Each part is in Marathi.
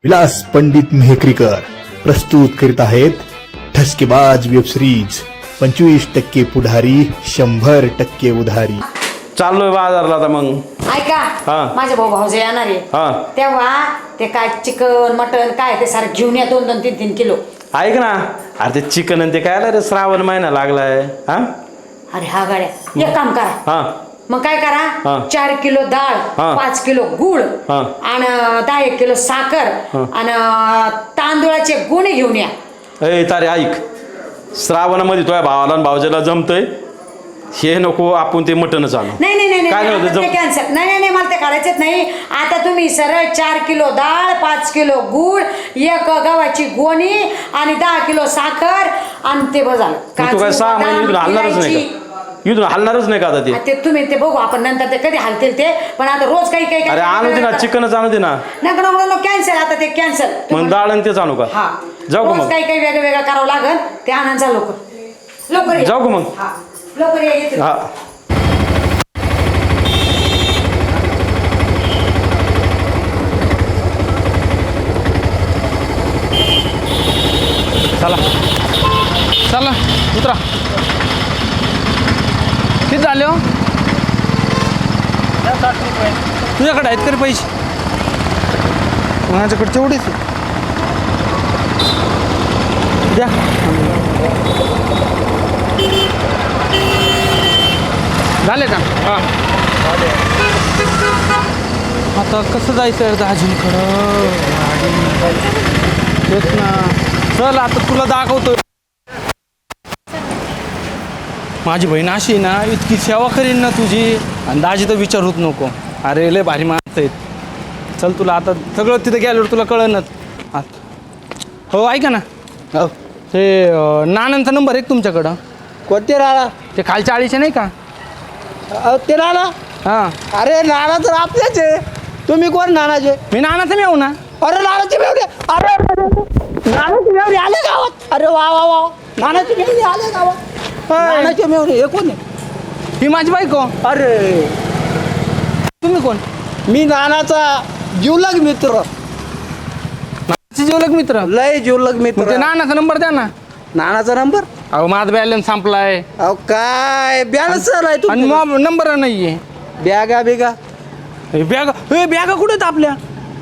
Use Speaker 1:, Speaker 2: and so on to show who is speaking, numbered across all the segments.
Speaker 1: विलास पंडित मेहकरीकर प्रस्तुत करीत आहेत ठसकेबाज वेब सिरीज 25% पुढारी 100% उधारी.
Speaker 2: चाललोय बाजारला आता मग.
Speaker 3: ऐका
Speaker 2: हा.
Speaker 3: माझे भाऊ भाऊजे येणार आहे
Speaker 2: हा.
Speaker 3: तेव्हा ते काय चिकन मटन काय ते सारं घेऊन या 2-3 किलो.
Speaker 2: ऐक ना, अरे ते चिकन आणि ते काय आलं रे, श्रावण महिना लागलाय. हा
Speaker 3: अरे हा गाड्या एक काम करा,
Speaker 2: हा
Speaker 3: मग काय
Speaker 2: हा.
Speaker 3: करा 4 किलो डाळ,
Speaker 2: हा.
Speaker 3: 5 किलो गुळ
Speaker 2: हा.
Speaker 3: आणि 10 किलो साखर आणि तांदूळाचे गुणे घेऊन या.
Speaker 2: ए तारे ऐक, श्रावणामध्ये तुझ्या भावाला आणि भावजेला जमतंय हे नको, आपण ते मटणच आणू.
Speaker 3: नाही नाही नाही
Speaker 2: काय
Speaker 3: नाही
Speaker 2: नव्हतं
Speaker 3: आता ते
Speaker 2: जम-
Speaker 3: कॅन्सल. नाही नाही नाही मला ते करायचेच नाही. आता तुम्ही सरळ 4 किलो डाळ, 5 किलो गुळ, 1 गव्हाची गोणी आणि 10 किलो साखर आणि ते बघा
Speaker 2: मग तू काय 6 महिने इथून हलणारच नाही का? इथून हलणारच नाही का आता ते?
Speaker 3: ते तुम्ही ते बघू आपण नंतर ते कधी हलतील ते, पण आता रोज काही काही
Speaker 2: अरे आणू दे ना, चिकनच आणू दे ना.
Speaker 3: नको कॅन्सल. आता ते कॅन्सल.
Speaker 2: मग डाळ आणि तेच आणू का?
Speaker 3: हा
Speaker 2: जाऊ का
Speaker 3: रोज
Speaker 2: मग?
Speaker 3: काही काही वेगळं वेगळं करावं लागल. ते आणायचा लवकर या.
Speaker 2: जाऊ का मग?
Speaker 3: हा लवकर या येते.
Speaker 2: हा
Speaker 4: चला चला उतरा. किती झाले हो? तुझ्याकडे आहेत का रे पैसे? माझ्याकडे तेवढेच आहे. द्या. झाले का? हां आता कसं जायचं आहे दाजींकडं? तेच ना. चल आता तुला दाखवतो. माझी बहीण अशी ना, इतकी सेवा करीन ना तुझी, आणि दाजी तर विचारूच नको. अरे लय भारी माणसं आहेत. चल तुला आता सगळं तिथं गेल्यावर तुला कळनच. हो ऐका ना,
Speaker 5: हो.
Speaker 4: ते नानांचा नंबर आहे का तुमच्याकडं?
Speaker 5: कोणते राणा?
Speaker 4: ते खालच्या आळीचे नाही का?
Speaker 5: ते राणा?
Speaker 4: हां
Speaker 5: अरे नाना तर आपल्याच आहे. तुम्ही कोण नानाचे?
Speaker 4: मी नानाचं मी येऊ ना.
Speaker 5: अरे नानाची मेवडी. अरे नानाची मेवडी आले गावात. अरे वा वा वा, नानाची मेवडी आले गावात. नानाची मेवडी हे कोण आहे?
Speaker 4: ही माझी बायको.
Speaker 5: अरे
Speaker 4: तुम्ही कोण?
Speaker 5: मी नानाचा जीवलग मित्र.
Speaker 4: नानाचे जीवलग मित्र.
Speaker 5: लय जीवलग
Speaker 4: मग ते
Speaker 5: मित्र.
Speaker 4: नानाचा नंबर द्या ना.
Speaker 5: नानाचा नंबर?
Speaker 4: अहो माझा बॅलन्स संपलाय
Speaker 5: अहो काय बॅलन्स आहे
Speaker 4: आणि
Speaker 5: तुम्ही?
Speaker 4: मग नंबर नाही आहे.
Speaker 5: बॅगा बिगा?
Speaker 4: बॅगा बॅगा कुठे आहेत आपल्या?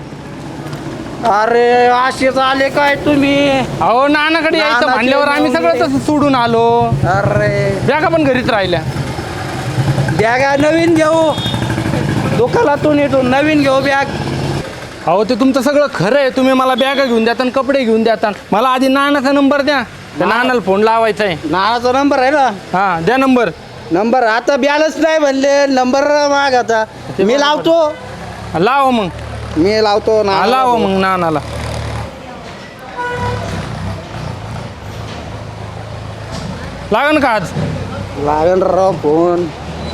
Speaker 5: अरे असेच आले काय तुम्ही?
Speaker 4: अहो नानाकडे यायचं
Speaker 5: नानाचे
Speaker 4: म्हणल्यावर आम्ही सगळं
Speaker 5: नवरे.
Speaker 4: तसं सोडून आलो.
Speaker 5: अरे
Speaker 4: बॅगा पण घरीच राहिल्या.
Speaker 5: बॅगा नवीन घेऊ, दुकानातून येतो नवीन घेऊ बॅग.
Speaker 4: अहो ते तुमचं सगळं खरं आहे. तुम्ही मला बॅगा घेऊन द्याता आणि कपडे घेऊन द्याता. मला आधी नानाचा नंबर द्या. त्या नानाला फोन लावायचा आहे.
Speaker 5: नानाचा नंबर आहे ना?
Speaker 4: हां द्या नंबर.
Speaker 5: नंबर आता बॅलन्स नाही म्हणले, नंबर माग आता. मी लावतो,
Speaker 4: लावा मग.
Speaker 5: मी लावतो ना.
Speaker 4: लावा मग नानाला. लागन का आज?
Speaker 5: लागेल राव फोन.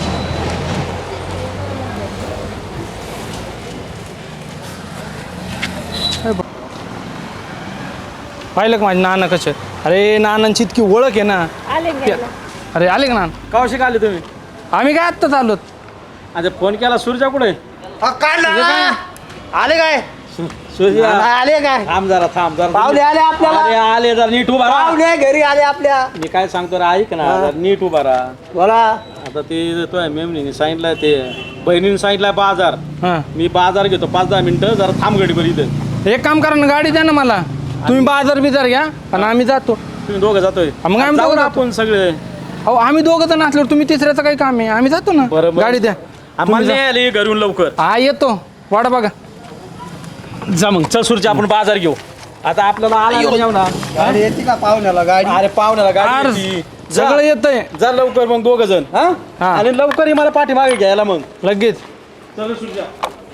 Speaker 4: पाहिलं का माझे नाना कसे? अरे नानांची इतकी ओळख आहे ना. अरे आले का नाना?
Speaker 2: कावशी आले तुम्ही?
Speaker 4: आम्ही काय आत्ताच आलोत.
Speaker 2: आता फोन केला, सूर्या कुठे?
Speaker 5: काय नाना? आले काय?
Speaker 2: सूर्या
Speaker 5: नाना आले काय?
Speaker 2: थांब जरा, थांब जरा.
Speaker 5: पाहुणे आले आपल्याला.
Speaker 2: अरे आले जरा, नीट उभा राहा.
Speaker 5: पाहुणे घरी आले आपल्या.
Speaker 2: मी काय सांगतो रे, ऐक ना, जरा नीट उभा राहा.
Speaker 5: बोला.
Speaker 2: आता ते तो मेमणीने सांगितलंय, ते बहिणीने सांगितलंय बाजार.
Speaker 4: हां
Speaker 2: मी बाजार घेतो 5-10 मिनिटं, जरा थांब गडीभर इथं.
Speaker 4: एक काम करा ना, गाडी द्या ना मला. तुम्ही बाजार बिजार घ्या आणि आम्ही जातो.
Speaker 2: तुम्ही दोघं जातोय?
Speaker 4: मग आम्ही
Speaker 2: जाऊ
Speaker 4: दोघं
Speaker 2: ना
Speaker 4: जातो.
Speaker 2: आपण सगळे.
Speaker 4: अहो आम्ही दोघं जण असल्यावर तुम्ही तिसऱ्याचं काही काम आहे. आम्ही जातो ना.
Speaker 2: बरं, बरं.
Speaker 4: गाडी द्या.
Speaker 2: आम्हाला
Speaker 4: तुम्ही जा.
Speaker 2: नाही आले घरून लवकर.
Speaker 4: हा येतो. वाडा बघा.
Speaker 2: जा मग, चल सूरच्या आपण बाजार घेऊ. आता आपल्याला आला ना जेवणा.
Speaker 5: गाडी येते का पाहुण्याला गाडी?
Speaker 2: अरे पाहुण्याला गाडी
Speaker 4: आर,
Speaker 2: येते. जा.
Speaker 4: सगळं येतंय
Speaker 2: जा लवकर मग दोघं जण.
Speaker 4: हा.
Speaker 2: आणि लवकर मला पाठीमागे घ्यायला मग.
Speaker 4: लगेच.
Speaker 2: चल सूरच्या.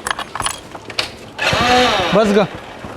Speaker 4: बस ग.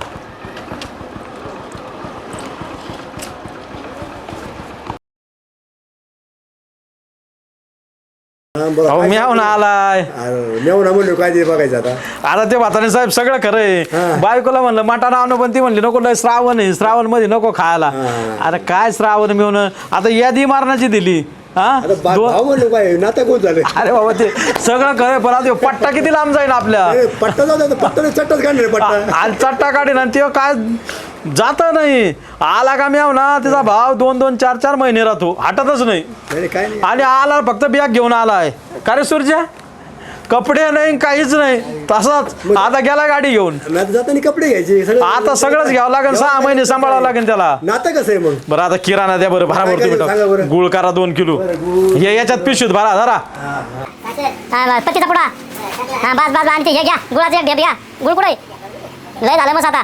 Speaker 2: अहो मी ना आलाय.
Speaker 1: मेवना म्हणलो काय ते बघायचं आता.
Speaker 2: आता ते म्हातारे साहेब सगळं खरं आहे. बायकोला म्हणलं मटाणा आणू, पण ती म्हणली नको, लय श्रावण आहे, श्रावण मध्ये नको खायला. अरे काय श्रावण मिळून आता यादी मारण्याची दिली. हा
Speaker 1: आता भाव म्हणलो काय नातं कोण झालं
Speaker 2: अरे बाबा ते सगळं खरं पण आता ह्यो पट्टा किती लांब जाईल आपल्या
Speaker 1: पट्टा जाऊ द्या पट्टा चट्टाच काढणार पट्टा
Speaker 2: आणि चट्टा काढीन आणि ते काय जात नाही आला का मी ना त्याचा भाव 2-2, 4-4 महिने राहतो हटतच नाही
Speaker 1: नाही काय नाही
Speaker 2: आणि आला फक्त बॅग घेऊन आलाय का रे सूर्या कपडे नाही काहीच नाही तसाच आता गेला गाडी घेऊन
Speaker 1: नातं जाताना कपडे घ्यायचे सगळं
Speaker 2: आता सगळंच घ्यावं लागेल 6 महिने सांभाळावं लागेल त्याला
Speaker 1: नातं कसं आहे मग
Speaker 2: बरं आता किराणा द्या बरं भरा
Speaker 1: काय
Speaker 2: भरतो
Speaker 1: काय सांगा
Speaker 2: बेटा
Speaker 1: बरं.
Speaker 2: गुळ करा 2 किलो हे याच्यात पिशवीत भरा धरा
Speaker 6: पत्तीचा पुडा हा बस आणि ते हे घ्या गुळाचं एक ढेप घ्या गुळ कुठे लय झालं मग आता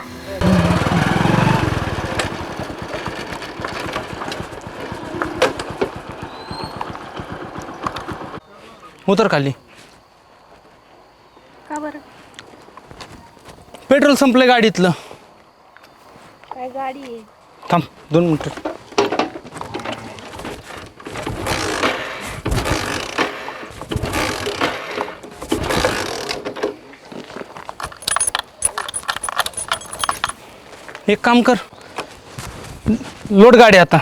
Speaker 4: उतर खाली
Speaker 7: का बरं
Speaker 4: पेट्रोल संपलं गाडीतलं
Speaker 7: काय गाडी आहे
Speaker 4: थांब 2 मिनिटं एक काम कर लोट गाडी आता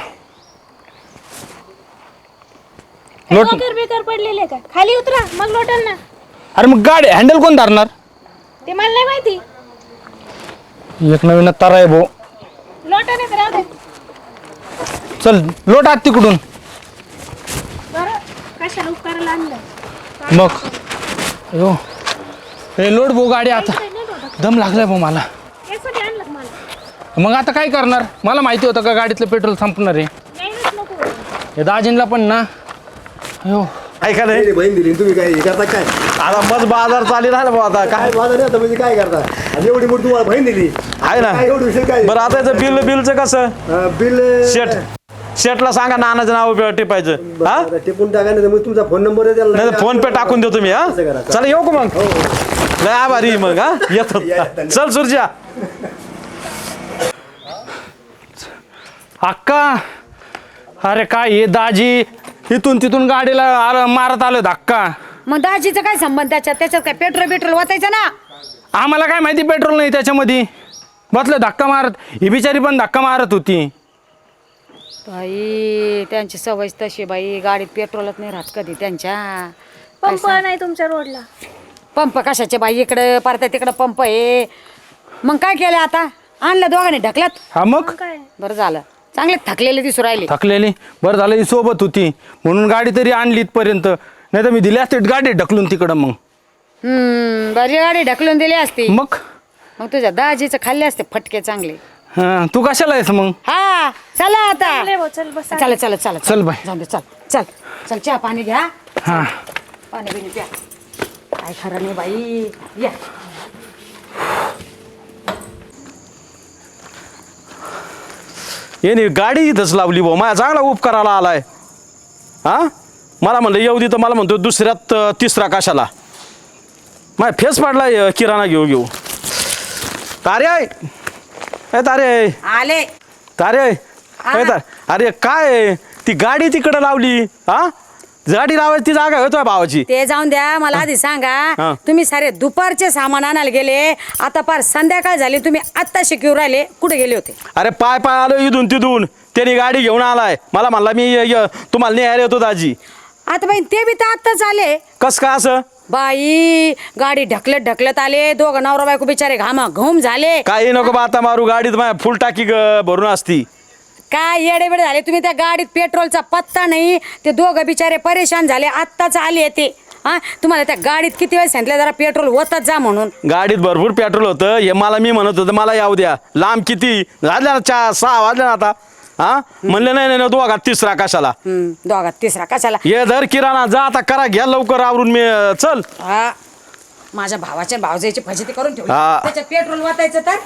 Speaker 4: लोट
Speaker 7: लोकर बेकार पडलेले का खाली उतरा मग लोटल ना
Speaker 4: अरे मग गाडी हँडल कोण धरणार
Speaker 7: ते मला नाही माहिती
Speaker 4: एक नवीन तारा आहे भाऊ
Speaker 7: लोटा नाही तर राहू दे
Speaker 4: चल लोट आत तिकडून
Speaker 7: बरं कशाला उपकाराला आणलं
Speaker 4: मग अयो हे लोट भाऊ गाडी आता दम लागलाय भाऊ मला
Speaker 7: यासाठी आणलं का मला
Speaker 4: मग आता काय करणार मला माहिती होतं का गाडीतलं पेट्रोल संपणार आहे
Speaker 7: नाहीच नको
Speaker 4: हे दाजींला पण ना अयो
Speaker 2: ऐका नाही
Speaker 1: नाही, बहीण दिली तुम्ही काय हे करता काय
Speaker 2: आता मग बाजार चालू राहिला भाऊ आता
Speaker 1: काय
Speaker 2: काय
Speaker 1: बाजार नाही आता म्हणजे काय करता आणि एवढी मोठी तुम्हाला बहीण दिली
Speaker 2: आहे ना
Speaker 1: काय एवढं विषय काय
Speaker 2: बरं आता याचं बिलचं कसं
Speaker 1: बिल
Speaker 2: शेटला सांगा नानाचं नाव टिपायचं हा
Speaker 1: आता टिपून टाका नाही तर मग तुमचा फोन नंबर आहे त्याला
Speaker 2: नाही फोन पे टाकून देतो मी हा
Speaker 1: असं करा.
Speaker 2: चला येऊ का मग लय आभारी आहे मग हा येतो चल सुरजा
Speaker 4: अक्का अरे काय हे दाजी इथून तिथून गाडीला मारत आलं धक्का
Speaker 3: मग दाजीचं काय संबंध त्याच्यात काय पेट्रोल वाचायचं ना
Speaker 4: आम्हाला काय माहिती पेट्रोल नाही त्याच्यामध्ये बसलं धक्का मारत ही बिचारी पण धक्का मारत होती
Speaker 3: बाई त्यांची सवय तशी बाई गाडीत पेट्रोलच नाही राहत कधी त्यांच्या
Speaker 7: पंप नाही तुमच्या रोडला
Speaker 3: पंप कशाचे बाई इकडे परत तिकडे पंप आहे मग काय केलं आता आणलं दोघांनी ढकलत
Speaker 4: हा मग
Speaker 7: काय
Speaker 3: बरं झालं चांगले थकलेले दिसू राहिले
Speaker 4: थकलेली बरं झालं ही सोबत होती म्हणून गाडी तरी आणली इथपर्यंत नाही तर मी दिली असते गाडी ढकलून तिकडं मग
Speaker 3: बरी गाडी ढकलून दिली असती
Speaker 4: मग
Speaker 3: मग तुझ्या दाजीचं खाल्ले असते फटके चांगले
Speaker 4: हा, तू कशाला आहेस मग
Speaker 3: हा चला आता
Speaker 7: लय भाऊ, चल बस
Speaker 3: चला चला चला
Speaker 4: चल बाई.
Speaker 3: जाऊ दे चल चल चल चहा पाणी घ्या
Speaker 4: हा
Speaker 3: पाणी बिणी प्या काय खरं नाही बाई या
Speaker 2: येणे गाडी इथंच लावली भाऊ माझ्या चांगला उपकाराला आलाय हा मला म्हणलं येऊ दे तर मला म्हणतो दुसऱ्यात तिसरा कशाला माझ्या फेस पाडलाय किराणा घेऊ तारे आहे तारे
Speaker 3: आले
Speaker 2: तारे अरे काय ती गाडी तिकडं लावली हा गाडी लावायची ती जागा होतोय भावाची
Speaker 3: ते जाऊन द्या मला आधी
Speaker 2: हा.
Speaker 3: सांगा तुम्ही सारे दुपारचे सामान आणायला गेले आता पार संध्याकाळ झाली तुम्ही आत्ता शिकवून राहिले कुठे गेले होते
Speaker 2: अरे पाय आलो इथून तिथून त्याने गाडी घेऊन आलाय मला म्हणला मी तुम्हाला न्यायला येतो दाजी
Speaker 3: आता बाई ते बी तर आत्ताच आले
Speaker 2: कस का असं
Speaker 3: बाई गाडी ढकलत आले दोघं नवरा बायको बिचारे घाम झाले
Speaker 2: काही नको बा आता मारू गाडीत माझ्या फुल टाकी भरून असती
Speaker 3: काय येडेबेडे झाले तुम्ही त्या गाडीत पेट्रोलचा पत्ता नाही ते दोघं बिचारे परेशान झाले आत्ताच आले ते हा तुम्हाला त्या गाडीत किती वेळ सांगितलं जरा पेट्रोल होतच जा म्हणून
Speaker 2: गाडीत भरपूर पेट्रोल होतं हे मला मी म्हणत होतं मला यावं द्या लांब किती झाले ना 6 वाजले ना आता हा म्हणले नाही दोघात तिसरा कशाला
Speaker 3: दोघात तिसरा कशाला
Speaker 2: ये धर किराणा जा आता करा घ्या लवकर आवरून मी चल
Speaker 3: हा माझ्या भावाच्या भावजाईची फजिती करून ठेवली
Speaker 2: हा.
Speaker 3: त्याच्यात पेट्रोल वाचायचं तर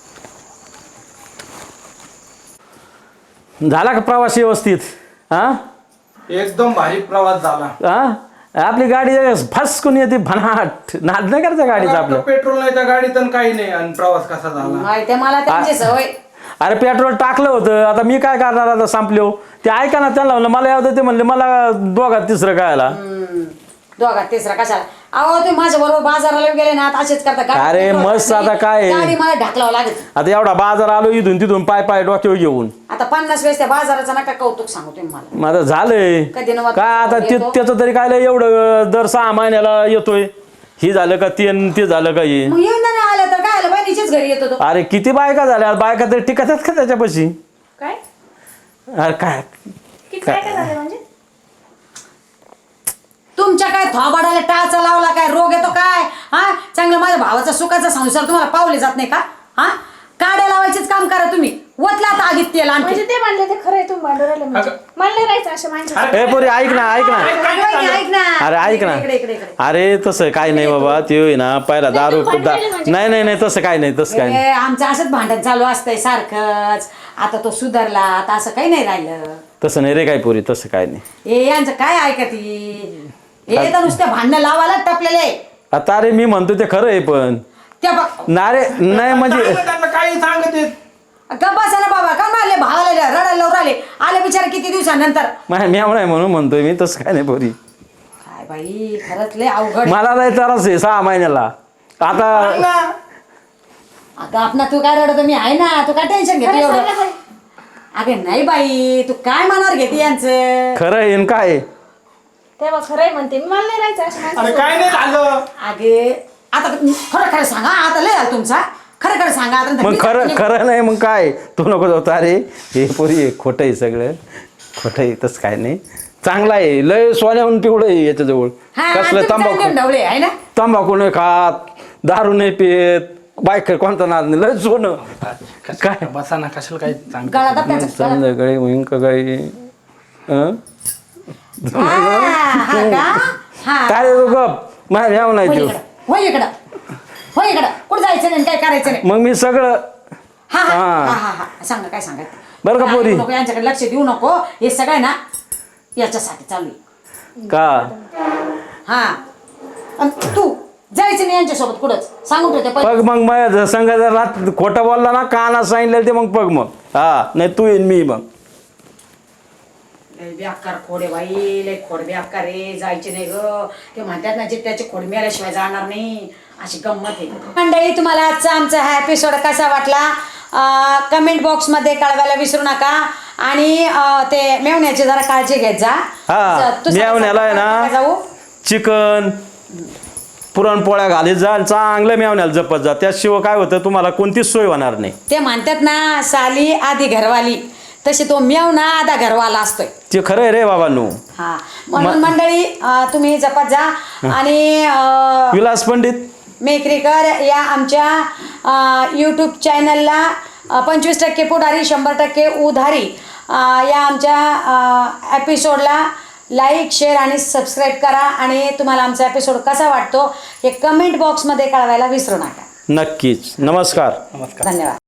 Speaker 2: झाला का प्रवास व्यवस्थित हा
Speaker 4: एकदम भारी प्रवास झाला
Speaker 2: हा आपली गाडी फसकून येते भनाट नाद नाही करायचं गाडीचं आपलं
Speaker 4: पेट्रोल नाही त्या गाडीत आणि काही नाही आणि प्रवास कसा झाला
Speaker 3: माहिती मला त्यांची सवय
Speaker 2: अरे पेट्रोल टाकलं होतं आता मी काय करणार आता संपलो ते ऐका ना त्यांना म्हणलं मला यावं ते म्हणले मला दोघात तिसरं काय आला
Speaker 3: दोघात तिसरा कशाला अहो तुम्ही माझ्या बरोबर बाजाराला गेले ना आता असेच करता गाडी
Speaker 2: अरे,
Speaker 3: ढकलावं
Speaker 2: मस्त
Speaker 3: लागते.
Speaker 2: आता काय?
Speaker 3: गाडी मला ढकलावं लागेल.
Speaker 2: आता एवढा बाजार आलो इथून तिथून पाय पाय डोक्यावर घेऊन
Speaker 3: आता 50 वेळेस त्या बाजाराचा नका कौतुक सांगू तुम्ही मला.
Speaker 2: माझं झालंय
Speaker 3: कधी नव्हतं
Speaker 2: काय आता
Speaker 3: येतो.
Speaker 2: त्याचं तरी काय लय एवढं दर 6 महिन्याला येतोय. ही झालं का ते झालं का हे
Speaker 3: मग येऊन नाही आलं तर काय आलं बहिणीच्याच घरी येतो तो.
Speaker 2: अरे किती बायका झाल्या बायका तरी टिकतात का त्याच्यापाशी?
Speaker 7: काय
Speaker 2: अरे काय
Speaker 7: किती काय काय झालं म्हणजे
Speaker 3: तुमच्या काय थोबाडाला टाचा लावला काय रोग येतो काय हा चांगलं माझ्या भावाचा सुखाचा संसार तुम्हाला पावले जात नाही का हा काड्या लावायचेच काम करा तुम्ही वतला आता आगीत तेल आणखी
Speaker 7: म्हणजे ते म्हणले ते खरं आहे तुम्ही भांडू राहिले म्हणजे मला नाही राहायचं अशा माणसं
Speaker 2: ए पोरी ऐक ना ऐक ना
Speaker 3: ऐक ना
Speaker 2: अरे ऐक ना
Speaker 3: इकडे, इकडे, इकडे.
Speaker 2: अरे तसं काय नाही बाबा ते होई ना पहिला दारू
Speaker 7: तुम्ही भांडलेले म्हणजे
Speaker 2: नाही नाही नाही तसं काय नाही तसं काय नाही
Speaker 3: ए, आमचं असंच भांडण चालू असतंय सारखंच आता तो सुधारला आता असं काही नाही राहिलं
Speaker 2: तसं नाही रे काय पोरी तसं काय नाही
Speaker 3: ए यांचं काय ऐकती हे तर नुसत्या भांडणं लावायला टपलेले
Speaker 2: आता अरे मी म्हणतो ते खरं आहे पण
Speaker 3: त्या बघ
Speaker 2: नारे नाही म्हणजे
Speaker 4: त्यांना काही सांगत येत
Speaker 3: गप्पा ना बाबा का मारले भावाला रडायला लावून आले आले बिचारे किती दिवसानंतर
Speaker 2: मी नाही म्हणून म्हणतोय मी तसं काय नाही पोरी
Speaker 3: काय बाई खरंच लय अवघड
Speaker 2: मला लय त्रास आहे 6 महिन्याला आता
Speaker 3: अगं आपणा तू काय रडतो मी आहे ना तू काय टेन्शन घेतो एवढं अगं नाही बाई तू काय मनावर घेते यांचं
Speaker 2: खरं आहे न काय
Speaker 7: तेव्हा खरं आहे म्हणते मी मला नाही राहायचं अशा
Speaker 4: अरे
Speaker 7: माणसं
Speaker 4: काय नाही झालं
Speaker 3: अगे आता खरं खरं सांगा आता लय झालं तुमचा खरं खरं सांगा आता
Speaker 2: मग खरं नाही मग काय तू नको जाऊ अरे हे पोरी खोटं आहे सगळं खोटं आहे तसं काय नाही चांगलं आहे लय सोन्याहून पिवळं आहे याच्याजवळ कसलं तंबाखू
Speaker 3: ढवळे आहे ना
Speaker 2: तंबाखू नाही खात दारू नाही पित बायक कोणता नाद नाही लय सोनं काय
Speaker 4: बसा ना कशाला काय सांग
Speaker 3: गळा दाब त्याचा, गळा.
Speaker 2: संध्याकाळी मग काही
Speaker 3: हा का? हा.
Speaker 2: काय रे तू गप माझ्या यावं नाही तू
Speaker 3: होय इकडं होय इकडं कुठं जायचं नाही काय करायचं नाही
Speaker 2: मग मी सगळं
Speaker 3: हा हा
Speaker 2: हा.
Speaker 3: हा हा हा सांगा काय सांगायचं
Speaker 2: बरं का पोरी?
Speaker 3: नको यांच्याकडे लक्ष देऊ नको हे सगळं ना याच्यासाठी चालू आहे.
Speaker 2: का
Speaker 3: हा आणि तू जायचं नाही यांच्यासोबत कुठंच सांगून ठेवते पहिले.
Speaker 2: पग मग माझ्या संघ जर रात खोटं बोलला ना काना सांगितलं ते मग पग मग हा नाही तू येईन मी मग
Speaker 3: लय बेकार खोडे बाई लय खोड बेकार रे जायचे नाही ग ते म्हणतात ना जे त्याचे खोड मिळाल्याशिवाय जाणार नाही अशी गंमत आहे मंडळी तुम्हाला आजचा आमचा हा एपिसोड कसा वाटला कमेंट बॉक्समध्ये कळवायला विसरू नका आणि ते मेवण्याची जरा काळजी घेत जा
Speaker 2: हा
Speaker 3: तू सांग-
Speaker 2: मेवण्याला आहे
Speaker 3: नका
Speaker 2: ना
Speaker 3: जाऊ
Speaker 2: चिकन पुरणपोळ्या घालीत जा चांगलं मेवण्याला जपत जा त्याशिवाय काय होतं तुम्हाला कोणतीच सोय होणार नाही
Speaker 3: ते म्हणतात ना साली आधी घरवाली तशी तो मेवणा आधा घरवाला असतोय
Speaker 2: ते खरं आहे रे बाबांनो
Speaker 3: हा म्हणून मंडळी तुम्ही जपत जा आणि
Speaker 2: विलास पंडित
Speaker 3: मेकरीकर या आमच्या यूट्यूब चॅनलला 25% पुढारी 100% उधारी या आमच्या एपिसोडला लाईक शेअर आणि सबस्क्राईब करा आणि तुम्हाला आमचा एपिसोड कसा वाटतो हे कमेंट बॉक्समध्ये कळवायला विसरू नका
Speaker 2: नक्कीच नमस्कार
Speaker 3: धन्यवाद